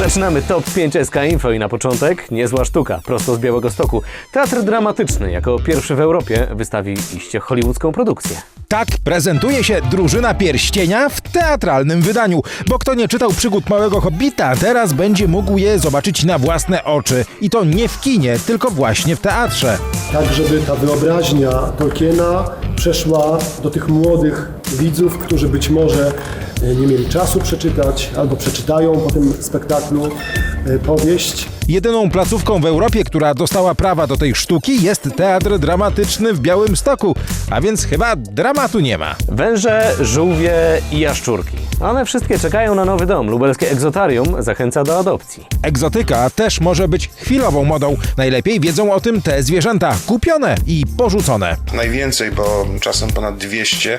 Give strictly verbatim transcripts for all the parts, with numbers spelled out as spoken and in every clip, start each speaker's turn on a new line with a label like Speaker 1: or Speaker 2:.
Speaker 1: Zaczynamy top pięć S K Info i na początek niezła sztuka, prosto z Białegostoku. Teatr dramatyczny jako pierwszy w Europie wystawi iście hollywoodzką produkcję.
Speaker 2: Tak prezentuje się Drużyna Pierścienia w teatralnym wydaniu, bo kto nie czytał przygód Małego Hobbita, teraz będzie mógł je zobaczyć na własne oczy. I to nie w kinie, tylko właśnie w teatrze.
Speaker 3: Tak, żeby ta wyobraźnia Tolkiena przeszła do tych młodych widzów, którzy być może nie mieli czasu przeczytać albo przeczytają po tym spektaklu powieść.
Speaker 2: Jedyną placówką w Europie, która dostała prawa do tej sztuki, jest Teatr Dramatyczny w Białymstoku, a więc chyba dramatu nie ma.
Speaker 1: Węże, żółwie i jaszczurki. One wszystkie czekają na nowy dom. Lubelskie Egzotarium zachęca do adopcji.
Speaker 2: Egzotyka też może być chwilową modą. Najlepiej wiedzą o tym te zwierzęta kupione i porzucone.
Speaker 4: Najwięcej, bo czasem ponad dwieście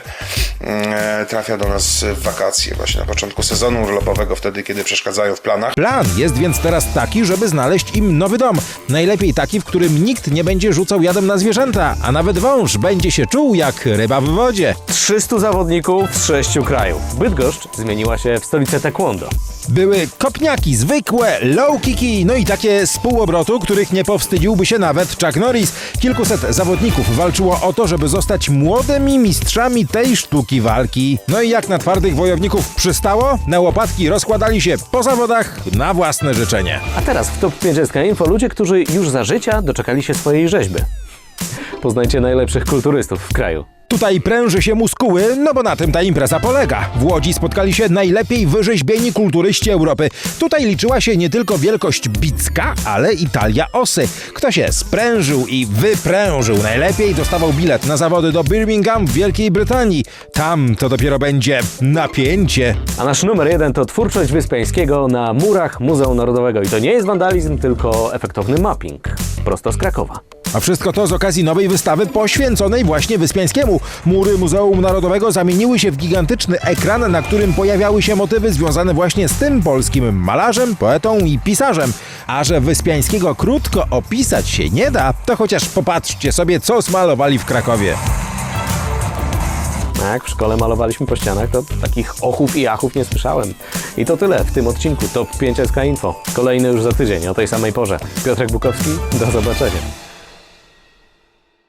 Speaker 4: e, trafia do nas w wakacje, właśnie na początku sezonu urlopowego, wtedy kiedy przeszkadzają w planach.
Speaker 2: Plan jest więc teraz taki, żeby znaleźć im nowy dom. Najlepiej taki, w którym nikt nie będzie rzucał jadem na zwierzęta, a nawet wąż będzie się czuł jak ryba w wodzie.
Speaker 1: trzystu zawodników z sześciu krajów. Bydgoszcz zmieniła się w stolicę taekwondo.
Speaker 2: Były kopniaki, zwykłe, low kicki, no i takie z półobrotu, których nie powstydziłby się nawet Chuck Norris. Kilkuset zawodników walczyło o to, żeby zostać młodymi mistrzami tej sztuki walki. No i jak na twardych wojowników przystało, na łopatki rozkładali się po zawodach na własne życzenie.
Speaker 1: A teraz w top pięć S K Info ludzie, którzy już za życia doczekali się swojej rzeźby. Poznajcie najlepszych kulturystów w kraju.
Speaker 2: Tutaj pręży się muskuły, no bo na tym ta impreza polega. W Łodzi spotkali się najlepiej wyrzeźbieni kulturyści Europy. Tutaj liczyła się nie tylko wielkość bicka, ale i talia osy. Kto się sprężył i wyprężył najlepiej, dostawał bilet na zawody do Birmingham w Wielkiej Brytanii. Tam to dopiero będzie napięcie.
Speaker 1: A nasz numer jeden to twórczość Wyspiańskiego na murach Muzeum Narodowego. I to nie jest wandalizm, tylko efektowny mapping. Prosto z Krakowa.
Speaker 2: A wszystko to z okazji nowej wystawy poświęconej właśnie Wyspiańskiemu. Mury Muzeum Narodowego zamieniły się w gigantyczny ekran, na którym pojawiały się motywy związane właśnie z tym polskim malarzem, poetą i pisarzem. A że Wyspiańskiego krótko opisać się nie da, to chociaż popatrzcie sobie, co zmalowali w Krakowie.
Speaker 1: Jak w szkole malowaliśmy po ścianach, to takich ochów i achów nie słyszałem. I to tyle w tym odcinku top pięć S K Info. Kolejny już za tydzień o tej samej porze. Piotrek Bukowski, do zobaczenia.